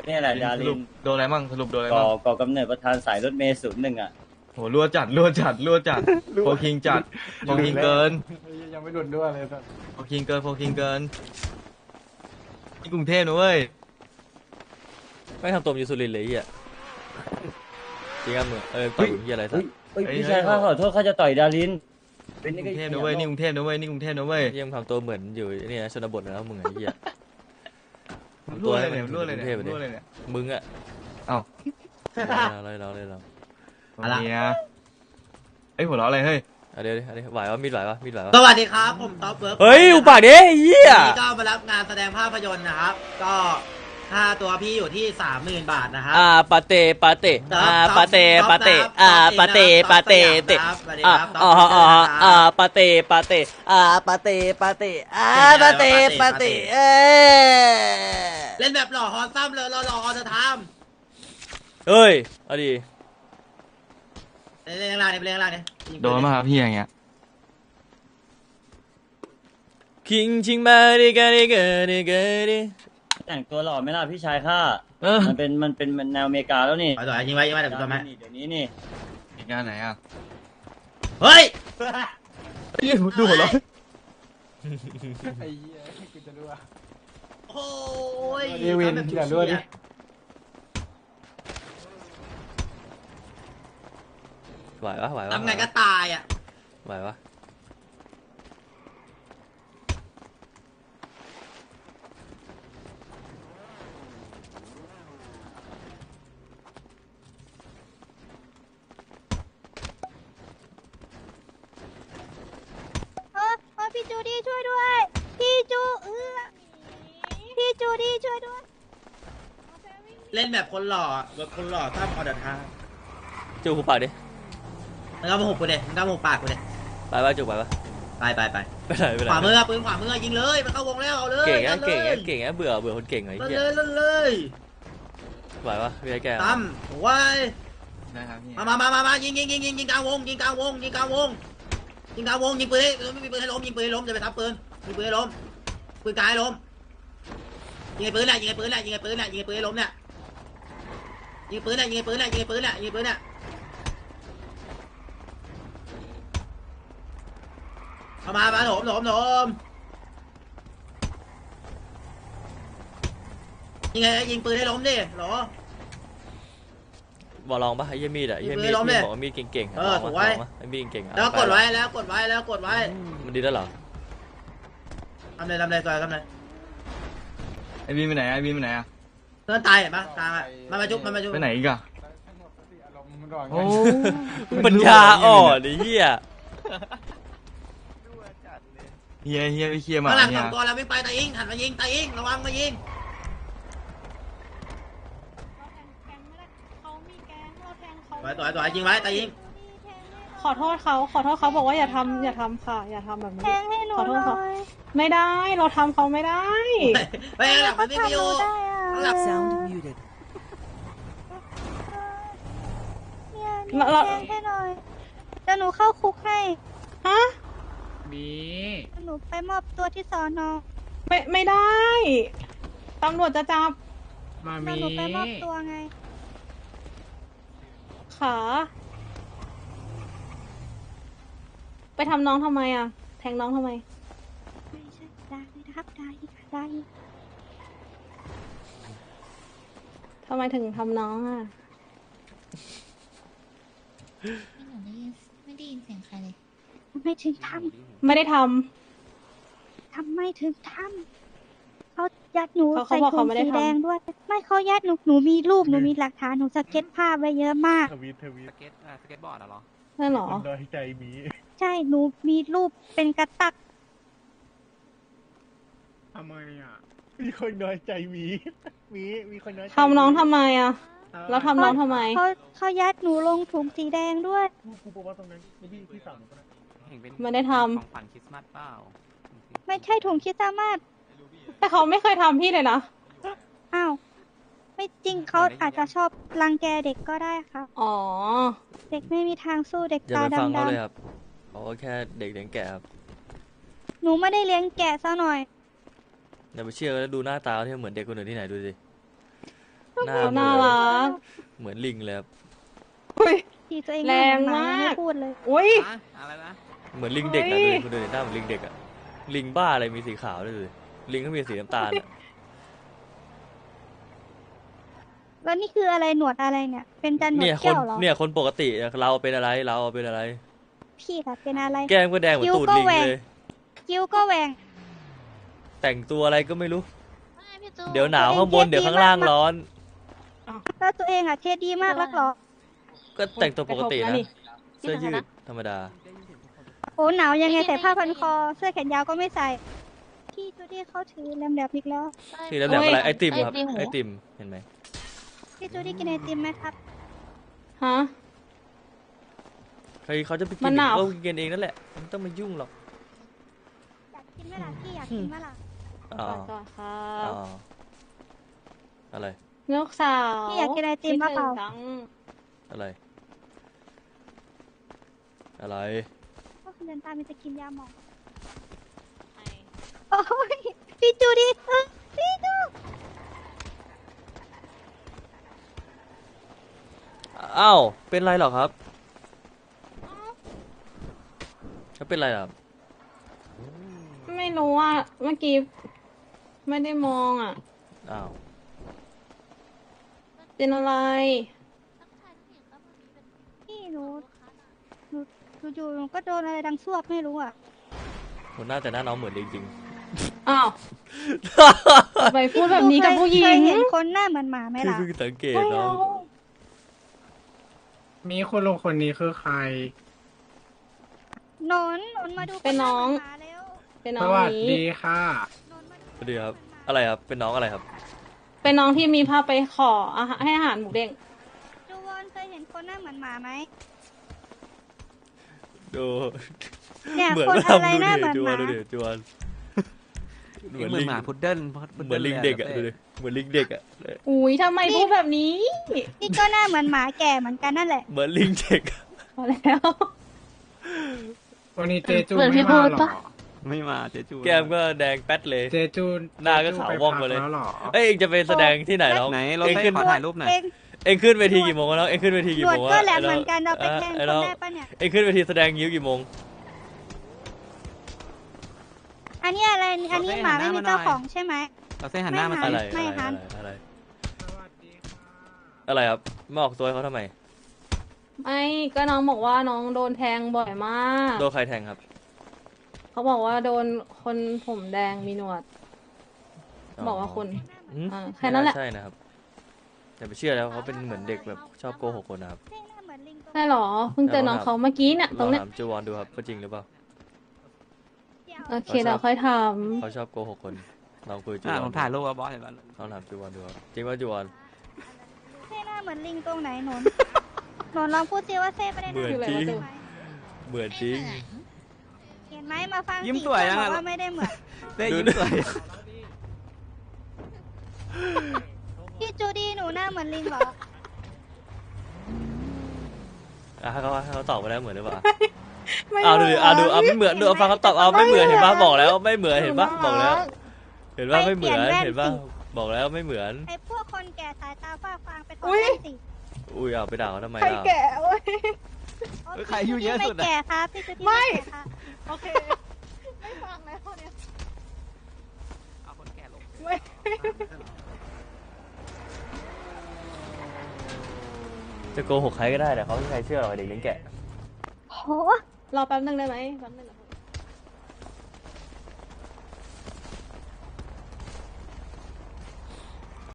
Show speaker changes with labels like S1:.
S1: นี่แหละดา
S2: ส
S1: ริ
S2: รุป
S1: น
S2: โดนอะไรมั่งสรุปโดนอะไร
S1: ก่อ
S2: มั่ง
S1: ก่อกำเนิดประธานสายรถเมล์01อ่ะ
S2: โหรั่วจัดโฟคิงจัดโฟคิงเกิน
S3: ยังไม่หลุดด้วยเลยสัส
S2: โฟคิงเกินที่กรุงเทพนะเว้ย
S4: ไม่ทำตัวมันอยู่สุรินทร์เลยไอ้เหี้ยจริงอ่ะมึงต่อยเหี้ยอะไรสั
S1: เฮ้
S4: ก
S1: ยพี่ชายข้าขอโทษข้าจะต่อยดารินเป็น
S2: นี่
S1: นี่
S2: ก
S1: ก็
S2: รุงเทพนะเว้ยนี่กรุงเทพนะเว้ยนี่กรุงเทพนะเว้ย
S4: เหี้ยมงทำตัวเหมือนอยู่นี่นะชนบทนะมึงไอ้เหี้ย
S2: รั่วเลยเนี่ยรั่วเลยเนี่ยรั่วเลยเนี่ย
S4: มึงอ่ะ
S2: เอ้า
S4: เรา
S2: เมียไอ้หัวเราะอะไรเฮ้ย
S4: เดี๋ยวไหววะมีดไหววะ
S5: สวัสดีครับผมท็อปเวิร์ก
S4: เฮ้ยอุปากดิไอ้เหี้ย
S5: วันนี้ก็มารับงานแสดงภาพยนตร์นะครับ ก็ค่าตัวพี่อยู่ที่ 30,000 บาทนะครับ
S4: ปาเตปาเตเตปาเตปาเตปาเตปาเตปาเตปาเตปาเตปาเตปาเต
S5: เล่นแบบหล่อฮอนซ้ำเลยหล่อฮอนจะท
S4: เฮ้ยเอาดิ
S5: ำเล่นข้างล่างนี่เล่นข้างล่างนี่
S2: โดนมาครับพี่อย่างเงี้ย
S4: คิงชิงมาดิกาดิกาดิกาดิ
S1: แต่งตัวหล่อไหมล่ะพี่ชายข้า มันเป็นแนวอเมริกาแล้วนี่
S5: ต่อยยิงไว้เดี๋ยวกูทำให้
S1: เดี๋ยวนี้นี่
S2: เหตุการณ์ไหนอ่ะ
S5: เฮ้ย
S2: เฮ้ยดูหัวเราะ
S3: ไอ้เหี้ยกูจะรู้ว่า
S5: โอ้ย
S3: ดีวินอย่ารั่วดิ
S4: ไหวปะ
S5: ทำไงก็ตายอ่ะ
S4: ไหวปะ
S6: พี่จูดี้ช่วยด้วย พี่จูดี้ช่วยด้วย
S5: เล่นแบบคนหล่อแบบคนหล่อซ้ำออเดอร์ทาง
S4: จูบหูปากดิ
S5: มึงเอามาหุบกูเด็มึงเอามาหุบปากกูเด็
S4: ไปปะจูบไปปะ
S5: ไป
S4: ไปไหน
S5: ขวามือปืนขวามือยิงเลยมันเข้าวงแล้วเอาเลย
S4: เก่งนะ
S5: ลั่นเลย
S4: เก่งนะเบื่อคนเก่งไอ้
S5: ลั่น
S4: เหี้ย
S5: เลยลั่นเลย
S4: ไหวปะพี่ไอ้แก
S5: ตั้มไว้
S2: ได้ครับพี่
S5: มายิงกลางวงยิงกลางวงยิงปืนให้ไม่มีปืนให้ล้มยิงปืนให้ล้มจะไปทับปืนยิงปืนให้ล้มปืนกายให้ล้มยิงไอ้ปืนน่ะยิงไอ้ปืนให้ล้มเนี่ยยิงปืนเนี่ยเอามาโหนยิงไงยิงปืนให้ล้มดิหรอ
S4: บอกลองปะไอ้เหี้ยมีดอ่ะไอ้เหี้ยมีด
S5: ล้มดิ
S4: บอกว่ามีดเก่งๆ
S5: ถูกไว้
S4: ไอ้มีดเก่งๆ
S5: แล้วกดไว้
S4: มันดีแล้วเหรอ
S5: ทำเลยซอยทำเลย
S2: ไอ้บีมไปไหนไอ้บีมไปไหนอ่ะ
S5: เพื่อนตายเห็นปะตายมาจุ๊บ
S2: ไปไหนอีกอ่ะ
S3: สงบสติอารมณ์มันก่อนไง
S2: โอ้
S4: ปัญญาอ่อนไอ้เหี้ย
S2: เฮียไปเคลียร์มา
S5: ข้างหลัง
S2: เนี่
S5: ส
S2: ย
S5: องตัวแล้ววิ่งไปตาอิงหันมายิงตาอิงระวังมายิง ตัวยิงไว้ตายิง
S7: ขอโทษเขาบอกว่าอย่าทำค่ะอย่าทำแบบนี้
S6: แทงให้หนู
S7: ขอโทษ
S6: หน่
S7: เขา
S6: อย
S7: ไม่ได้เราทำเขาไม่ได้
S5: ไปหลังมันวิ่งไปอยู่
S6: ได้
S5: ข้างหลั
S6: อะ
S5: ง
S8: Sound muted.
S6: เนี่ยแทงให้หน่อยเดี๋ยวหนูเข้าคุกให้
S7: ฮะ
S3: บี
S6: หนูไปมอบตัวที่สอนอ
S7: ไม่ได้ตำรวจจะจับ
S3: มา
S6: เดี๋ยว
S3: มี
S6: หนูไปมอบตัวไง
S7: ขาไปทำน้องทำไมอ่ะ แทงน้องทำไม
S6: ไม่ใช่ได้ครับได้
S7: ทำไมถึงทำน้องอ่ะ
S9: หนูไม่ได้ยินเสียงใครเลย
S6: ไม่ถึงท
S7: ไม่ได้ท
S6: ำทำไม่ถึงทำเขายัดหนู
S7: เขา
S6: ใส่
S7: บอก
S6: ถุ
S7: เขา
S6: ง
S7: ไม่ได้
S6: สี
S7: ทำ
S6: แดงด้วย ไม่เขายัดหนูมีรูปหนูมีหลักฐานหนูสเก็ตภาพไว้เยอะมาก
S3: ทวีตสเก็ตบอร์ดเหรอ
S7: นั่นเหรอ
S3: คนน้อยใจมี
S6: ใช่หนูมีรูปเป็นกระตัก
S3: ทำไมอ่ะมีคนน้อยใจมีคนน้อยใจ
S7: ทำน้องทำไมอ่ะ แล้วทำน้องทำไม
S6: เขายัดหนูลงถุงสีแดงด้วย
S3: กูบอกว่าตรงนั้นที่สามคนนั้น
S7: ไม่ได้ทำ
S3: ของขวัญคริสต์มาสเปล่า
S6: ไม่ใช่ถุงคริดสต์มาส
S7: แต่เขาไม่เคยทำพี่เลยนะ
S6: อ้าวไม่จริงเขาอาจจะชอบรังแกเด็กก็ได้ค่ะ
S7: อ๋อ
S6: เด็กไม่มีทางสู้เด็ก
S4: อย่า
S6: ตา
S4: ไปฟังเขา
S6: ดำ
S4: เลยครับเขาก็แค่เด็กเลี้ยงแกะครับ
S6: ๆหนูไม่ได้เลี้ยงแกะซะหน่อย
S4: อย่าไปเชื่อแล้วดูหน้าตาเขาที่เหมือนเด็กคนอื่นที่ไหนดูสิ
S6: ก็
S2: หน้า
S7: เขา
S2: เหมื
S7: น่า
S2: อน
S7: รัก
S2: เหมือนลิงเลยครับ
S7: อุ้ย
S6: ที่ตัวเอง
S7: แรงมาก
S6: ไม่พูดเลย
S7: อุ้ย
S8: อะไรนะ
S2: เหมือนลิงเด็กนะ
S7: เฮ้ย
S2: คุณดูดิหน้าเหมือนลิงเด็กอะลิงบ้าอะไรมีสีขาวด้วยเลยลิงก็มีสีน้ำตาลอะ
S6: แล้วนี่คืออะไรหนวดอะไรเนี่ย เป็นจันหนว
S2: เนี่
S6: ด
S2: ยค
S6: แก้
S2: น
S6: วเหรอ
S2: เนี่ยคนปกติเราเป็นอะไรเราเป็นอะไร
S6: พี่ล่ะเป็นอะไร
S2: แก้มก็แดงเหมือนตูดลิงเลย
S6: คิ้วก็แหวง
S2: แต่งตัวอะไรก็ไม่รู้
S9: ไม่พี่จู
S2: เดี๋ยวหนาวข้างบนเดี๋ยวข้างล่างร้อน
S6: แล้วตัวเองอะเทดีมากรักเหรอ
S2: ก็แต่งตัวปกติ
S7: กระทบ
S2: นะ
S7: นะนี่
S2: เสื้อยืดธรรมดา
S6: โอ้หนาวยังไงใส่ผ้าพันคอ เสื้อแขนยาวก็ไม่ใส่ พี่จูดี้เขาถือแหลมๆอีกแล้ว
S2: ที่แล้วแบบอะไรไอติมครับไอติมเห็นไหม
S6: พี่จูดี้กินไอติมไหมครับ
S7: ฮะ
S2: ใครเขาจะไปกิ
S7: มัน นหนาว
S2: ก็กินเองนั่นแหละไม่ต้องมายุ่งหรอก
S6: อยากกินไหมล่ะพี่อยากกินไหมล่ะ
S2: อ๋อ
S7: ก่อนครั
S2: อ๋
S7: บ
S2: ออะไร
S7: ลูกสาว
S6: พี่อยากกินไอติมมาเปล่า
S7: คิดถึงจัง
S2: อะไรอะไร
S6: ก็เดินตามมันจะกินยาหมองโอ้ยพี่จูดี้พี่จู
S2: อ้าวเป็นไรเหรอครับเขาเป็นไรเหรอครับ
S7: ไม่รู้อ่ะ เมื่อกี้ไม่ได้มองอ่ะ
S2: อ้าว
S7: เป็นอะไร
S6: พี่หนูอยู่ๆหนูก็โดนอะไรดังซวบไม่รู้อ่ะ
S2: คนหน้าแต่หน้าน้องเหมือนลิงจริง
S7: อ้าวไปพูดแบบนี้กับผู้หญิ
S6: เค
S7: ง
S6: ยเห็นคนหน้าเหมือนหมาไหม
S2: คือ
S6: ล่ะ
S2: เพิ่งสังเกต
S7: ไม่
S2: น้อ
S7: เอา
S2: ง
S3: มีคุณลุงคนนี้คือใคร
S6: หนนมาดู
S7: เป็นน้อง
S6: คหาเหมืหมาเร็ว
S7: เป็นน้
S3: ส
S7: อง
S3: วัส
S7: นี้
S3: ดีค่ะ
S6: หนนมาดู
S2: สวัสดีครับอะไรครับเป็นน้องอะไรครับ
S7: เป็นน้องที่มีพาไปขอให้อาหารหมูเด้ง
S6: จูวอนเคยเห็นคนหน้าเหมือนหมาไหม
S2: ดู
S6: เนี่ย
S2: เหมือน
S6: คน
S2: ว่า
S6: อะไร
S2: ทำ
S6: หน้า
S2: ดู
S6: เหมื
S2: ดิ
S6: อน
S2: จ
S6: ห
S2: ว
S6: มาน
S2: ดูดิจวน
S8: เหมือนหมาพุดเดิ้ล
S2: เหมือนลิงเด็กอะดูดิเหมือนลิงเด็กอะ
S7: อุ้ยทำไมพูดแบบนี้
S6: นี่ก็หน้าเหมือนหมาแก่เหมือนกันนั่นแหละ
S2: เหมือนลิงเด็กอะ
S7: พอแล้ว
S3: วันนี้เจจู
S9: เหมือนพี่
S3: ไม่มา
S9: พูด
S3: หรอ
S9: ปะ
S8: ไม่มาเจจู
S2: แก้มก็แดงแป๊ดเลย
S3: เจจู
S2: หน้าก็ขาวว่องมาเลย
S3: จจูไปพักแล้วหรอ
S2: เอ้ยเองจะไปแสดงที่ไหนน้อง
S8: ไหนเรา
S2: เอง
S8: ให้
S2: ขึ้น
S8: ขอถ่ายรูปหน่อย
S6: เอง
S2: เองขึ้นเวทีกี่โมงแล้วเองขึ้นเวที
S6: ห
S2: กี่
S6: นว
S2: โม
S6: ด
S2: ง
S6: ก็
S2: วะ
S6: แหลมเหมือนกันเราไปแทง
S2: ไอ้
S6: คน
S2: น้อง
S6: ได้ปะเนี่ย
S2: เองขึ้นเวทีแสดงยิ้วกี่โมง
S6: อันนี้อะไร อันนี้หมาไม่มีเจ้าของใช่ไหม
S8: เราเส้นหันหน้ามา
S6: ไม่
S8: ใส่
S2: อะไร
S6: ไม่
S2: อะไร
S6: หัน
S2: อะไร
S3: สวัสดีค่ะ
S2: อะไรครับมาออกตัวให้เขาทำไม
S7: ไม่ก็น้องบอกว่าน้องโดนแทงบ่อยมาก
S2: โดนใครแทงครับ
S7: เขาบอกว่าโดนคนผมแดงมีหนวด บอกว่าคน
S2: อืม
S7: แค่นั้นแหละ
S2: ไม่าใช่นะครับอย่าไปเชื่อแล้วเขาเป็นเหมือนเด็กแบบชอบโกหกคนนะครับ
S6: เท่หน้าเหมือนลิงตรง
S7: ใช่หรอ เพิ่งเจอน้องเขาเมื่อกี้เนี่ย
S2: ล
S7: ตร
S2: อง
S7: งเนี้ย
S2: ถามจูวอนดูครับว่าจริงหรือเปล่า
S6: เดียว
S7: โอเคเดี๋ยวค่อยท
S2: เขาชอบโกหกคนลองคุยจู
S8: อ่ะ
S2: ว
S8: ผ
S2: อน
S8: มถ่ายรูปว่าบอสเห็นปะ
S2: ลองถามจูวอนดูครับจริงว่าจูวอน
S6: เท่หน้าเหมือนลิงตรงไหนหนนหนนลองพูดซิว่าเท่ไม่ได้ห
S2: เหมื
S6: น้า
S2: อนจริง
S6: ใช่ไหม
S2: เหมือนจริง
S6: เห็นไหมมาฟัง
S8: ยิ้ม
S6: สิ
S8: สวยยัง
S6: บ
S8: อ่ะ
S6: อกว่าไม่ได้เหมือน
S8: เต้ยิ้มสวย
S6: พี่จูดี้หนูหน้าเหมือนลิงเหรอ
S2: อ่ะให้เขาตอบมาแล้วเหมือนหรือเปล่า
S7: ำไม่
S2: ดูดิดูไม่เหมือนดูเอาฟังเขาตอบเอาไม่เหมือนเห็นปะบอกแล้วไม่เหมือนเห็นปะบอกแล้ว เห็นปะไม่เหมือนเห็นปะบอกแล้วไม่เหมือน
S6: ไอ้พวกคนแก่สายตาฝ้าฟางไปถอดแว่นสิ
S2: อุ้ยเอาไปด่าเขาทำไม
S7: ใคร
S2: ล่ะ
S7: แก่เว้ย
S6: โอ้
S8: ใครอายุเยอะสุด
S6: ไม่
S8: อะ
S6: แก่ครับพี่จูดี้
S7: ไม่
S6: แก่ครับ
S7: โอเค ไม่ฟังแล้วเนี่ย
S8: เอาคนแก่ลง
S7: ไม่
S2: จะโกหกใครก็ได้แต่เขาไม่มีใครเชื่อหรอกไอ้เด็กเลี้ยงแกะ
S6: โห
S7: รอแป๊บนึงได้ไหมแป๊บนึงเดี๋ยว